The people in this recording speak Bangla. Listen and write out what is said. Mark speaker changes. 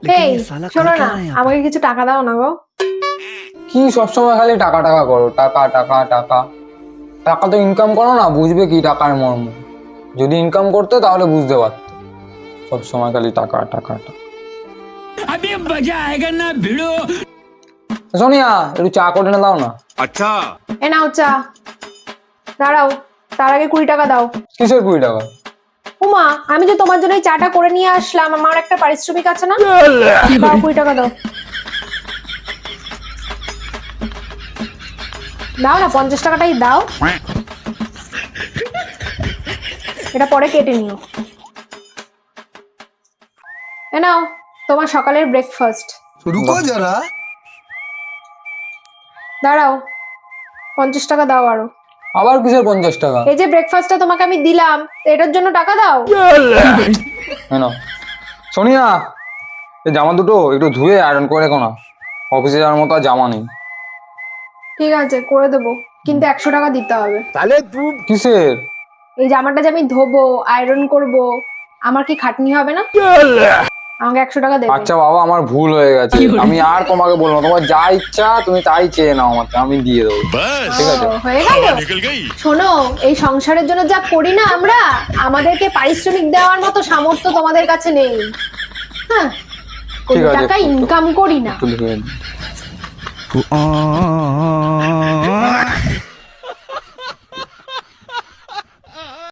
Speaker 1: এই শোনো না, আমাকে কিছু টাকা দাও না গো।
Speaker 2: কি সবসময় খালি টাকা টাকা করো, টাকা টাকা টাকা। টাকা তো ইনকাম করো না, বুঝবে কি টাকার মর্ম। যদি ইনকাম করতে তাহলে বুঝতে পারতো। সবসময় খালি টাকা টাকা টাকা। সোনিয়া, একটু চা করে এনে দাও না।
Speaker 3: अच्छा
Speaker 1: এ নাও চা। দাঁড়াও, তার আগে 20 টাকা দাও।
Speaker 2: কিসের 20 টাকা?
Speaker 1: উমা, আমি যে তোমার জন্য এই চাটা করে নিয়ে আসলাম, আমার একটা পারিশ্রমিক আছে না? দাও 20 টাকা দাও। দাও না, 50 টাকাটাই দাও। এটা পরে কেটে নিও। এ নাও তোমার সকালের ব্রেকফাস্ট।
Speaker 3: रुको जरा
Speaker 1: দাঁড়াও, 50 টাকা দাও আরো।
Speaker 2: আবার কিসের 50 টাকা?
Speaker 1: এই যে ব্রেকফাস্টটা তোমাকে আমি দিলাম, এটার জন্য টাকা দাও।
Speaker 2: কেন? সোনিয়া, এই জামা দুটো একটু ধুয়ে আয়রন করে রেখো না। অফিসে যাওয়ার মতো আর জামা নেই।
Speaker 1: ঠিক আছে, করে দেবো, কিন্তু 100 টাকা দিতে হবে।
Speaker 3: साले तू
Speaker 2: কিসের?
Speaker 1: এই জামাটা যে আমি ধোবো, আয়রন করব, আমার কি খাটনি হবে না? আমাকে 100 টাকা দেবে।
Speaker 2: আচ্ছা বাবা, আমার ভুল হয়ে গেছে। আমি আর তোমাকে বলবো না। তোমার যা ইচ্ছা তুমি তাই চেয়ে নাও আমার থেকে, আমি দিয়ে দেবো। ঠিক আছে?
Speaker 1: ও, হয়ে গেল। শোনো, এই সংসারের জন্য যা করি না আমরা, আমাদেরকে পারিশ্রমিক দেওয়ার মতো সামর্থ্য তোমাদের কাছে নেই। হ্যাঁ, কোনো
Speaker 2: ঠিক আছে,
Speaker 1: টাকা ইনকাম করি না।
Speaker 2: একটু দেখে নিই।